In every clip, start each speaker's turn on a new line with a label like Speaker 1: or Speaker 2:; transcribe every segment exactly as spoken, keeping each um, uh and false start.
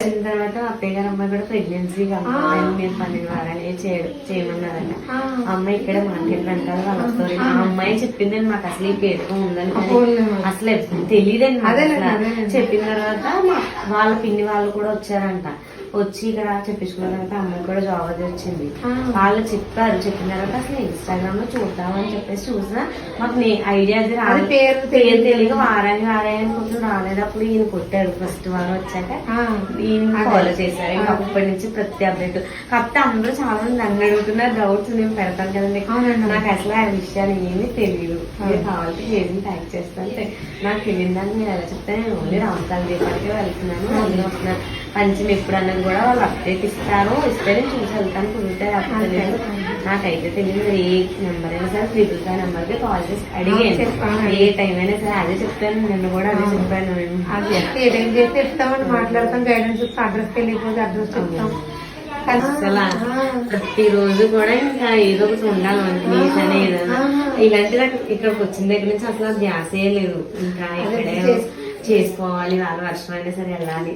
Speaker 1: తర్వాత అత్తయ్య గారు అమ్మాయి కూడా ప్రెగ్నెన్సీ కాబట్టి మీరు పన్నెండు వారాలు చేయమన్నారంట. అమ్మాయి ఇక్కడ మాట్లాడంట వాళ్ళ స్టోరీ. ఆ అమ్మాయి చెప్పిందని మాకు అసలు ఈ పేరుతో ఉందని అసలు తెలియదండి. చెప్పిన తర్వాత వాళ్ళ పిన్ని వాళ్ళు కూడా వచ్చారంట. వచ్చి ఇక్కడ చెప్పించుకున్న తర్వాత అమ్మాయి కూడా జాబ్ అది వచ్చింది. వాళ్ళు చెప్పారు. చెప్పిన తర్వాత అసలు ఇన్స్టాగ్రామ్ లో చూద్దామని చెప్పేసి చూసినా మాకు ఐడియా అది రాదు. పేరు పేరు తెలియక వారానికి వారాయని కొంచెం రాలేదప్పుడు ఈయన కొట్టారు. ఫస్ట్ వారం వచ్చాక ఈయన ఫాలో చేశారు. ఇంకా అప్పటి నుంచి ప్రతి అప్డేట్. కాకపోతే అందరూ చాలా మంది నన్ను అడుగుతున్నారు డౌట్స్. నేను పెడతాను కదండి. నాకు అసలు ఆ విషయాలు ఏమీ తెలియదు. మీరు కావాలంటే చేసి ట్యాగ్ చేస్తాను. నాకు తెలియదని మీరు ఎలా చెప్తే నేను ఓన్లీ రామకాల దీపానికి వెళ్తున్నాను. అందులో వస్తున్నాను. పంచమి ఎప్పుడు అన్నది కూడా వాళ్ళు అప్డేట్ ఇస్తారు. ఇస్తే నేను చూసి వెళ్తాను. కుదిరితే అప్పుడు తెలియదు. నాకైతే తెలియదు. ఏ నెంబర్ అయినా సరే ట్రిపుల్ ఫైవ్ నెంబర్ కి కాల్ చేసి అడిగాను. ఏ టైం అయినా సరే అదే చెప్తాను. నిన్ను కూడా అదే చెప్పాను.
Speaker 2: ఏ టైం చేస్తే చెప్తామని మాట్లాడతాం. గైడెన్స్ చెప్తాం. అడ్రస్ వెళ్ళిపోతే అడ్రస్ చెప్తాం.
Speaker 1: అసలు ప్రతిరోజు కూడా ఇంకా ఏదో ఒకటి ఉండాలి ప్లీజ్ అని ఏదైనా ఇలాంటి ఇక్కడికి వచ్చిన దగ్గర నుంచి అసలు ధ్యాసే లేదు. ఇంకా ఇక్కడే చేసుకోవాలి. వాళ్ళ వర్షం అయినా సరే వెళ్ళాలి.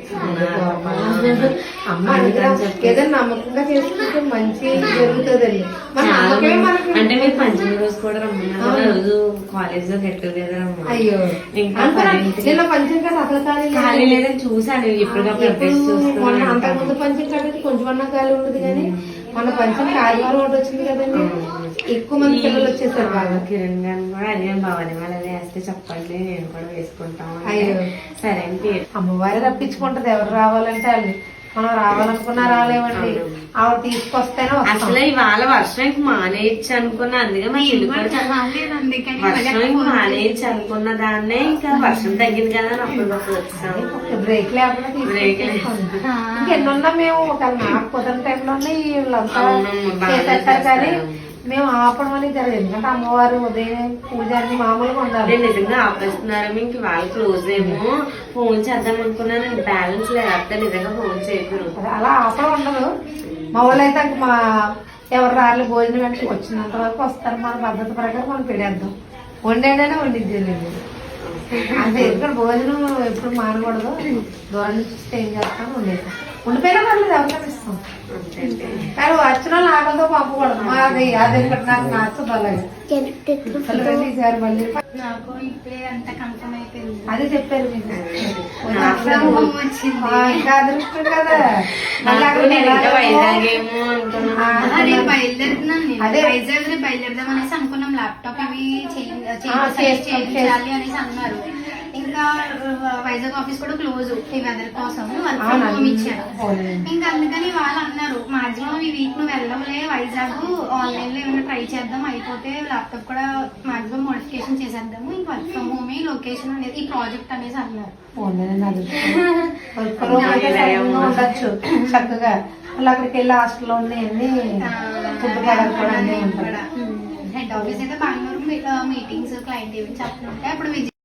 Speaker 2: ఏదైనా నమ్మకంగా చేసుకుంటే మంచి జరుగుతుంది.
Speaker 1: అంటే మీరు పంచమి రోజు కూడా రమ్మన్నారు. రోజు కాలేజ్ లో గెట్ టుగెదర్ అమ్మా.
Speaker 2: అయ్యో ఇంకా పంచం కదా అసలు
Speaker 1: ఖాళీ లేదని చూసాను. ఎప్పటికప్పుడు చూస్తున్నాను.
Speaker 2: అంతకుముందు పంచం కట్టేది కొంచెం అన్నా ఖాళీ ఉండదు. కానీ మన పంచం ఆదివారం ఒకటి వచ్చింది కదండి. ఎక్కువ మంది పిల్లలు వచ్చేసారు. బాగా
Speaker 1: కిరణ్ గారు కూడా అదే భవాని వాళ్ళు అదే వేస్తే చెప్పండి నేను కూడా వేసుకుంటాం. అయ్యో సరే అంటే
Speaker 2: అమ్మవారి రప్పించుకుంటది. ఎవరు రావాలంటే వాళ్ళు మనం రావాలనుకున్నా రాలేమండి. ఆవిడ తీసుకొస్తేనే
Speaker 1: అసలు ఇవాళ వర్షం మానేయచ్చు అనుకున్నా. అందుకే మా ఇల్లు వర్షం మానేయచ్చు అనుకున్న దాన్నే ఇంకా వర్షం తగ్గింది కదా అప్పుడు వచ్చాము.
Speaker 2: బ్రేక్ లేకుండా బ్రేక్ ఇంకెన్నున్నా మేము ఒక నాకు కుదరని టైంలో వీళ్ళంతా చేసేస్తారు. కానీ మేము ఆపడం అనేది జరగదు. ఎందుకంటే అమ్మవారు ఉదయం పూజారిని మామూలుగా ఉండాలి.
Speaker 1: నిజంగా ఆపేస్తున్నారు. ఇంక వాళ్ళు క్లోజ్ ఏమో ఫోన్ చేద్దాం అనుకున్నాను. బ్యాలెన్స్ లేకపోతే నిజంగా ఫోన్ చేయకూడదు.
Speaker 2: అలా ఆపడం ఉండదు. మా వాళ్ళు అయితే మా ఎవరు రాళ్ళు భోజనం వెంటనే వచ్చినంత వరకు వస్తారు. మన పద్ధతి ప్రకారం మనం పెడేద్దాం. వండేడనే వండిద్దేలేదు. అంటే ఇక్కడ భోజనం ఎప్పుడు మానకూడదు. దూరం నుంచి వస్తే ఏం చేస్తాం వండేస్తాం. ఉండిపోయినా పర్లేదు ఎవరికైనా ఇస్తాం. కానీ వచ్చిన వాళ్ళు ఆకలితో పంపకూడదు. మాది అదే నాకు నచ్చదు. అలాగే ఈసారి మళ్ళీ
Speaker 3: నాకు ఇప్పుడే అంతా కన్ఫర్మ్ అయిపోయింది.
Speaker 2: అదే చెప్పారు మీకు. ఇంకా అదృష్టం కదా.
Speaker 3: బయలుదేరుతున్నాను. అదే వైజాగ్ బయలుదేరదాం అనేసి అనుకున్నాం. ల్యాప్టాప్ ఇవి చేయాలి అనేసి అన్నారు. ఇంకా వైజాగ్ ఆఫీస్ కూడా క్లోజ్ ఈ వెదర్ కోసం వర్క్ ఫ్రమ్ హోమ్ ఇచ్చారు. ఇంకా అందుకని వాళ్ళు అన్నారు మాక్సిమం ఈ వీక్ నువ్వు వెళ్ళవలే వైజాగ్ ఆన్లైన్ లో ఏమైనా ట్రై చేద్దాం. అయిపోతే ల్యాప్టాప్ కూడా మాక్సిమం మోడిఫికేషన్ చేసేద్దాము. ఇంక వర్క్ ఫ్రమ్ హోమ్ లొకేషన్ అనేది ఈ ప్రాజెక్ట్ అనేసి అన్నారు.
Speaker 2: ఉండొచ్చు చక్కగా. మళ్ళీ అక్కడికి వెళ్ళి హాస్టల్లో ఉన్నాయండి.
Speaker 3: హెడ్ ఆఫీస్ అయితే బెంగళూరు మీటింగ్స్ క్లయింట్ ఈవెంట్స్ అప్పుడు ఉంటాయి. అప్పుడు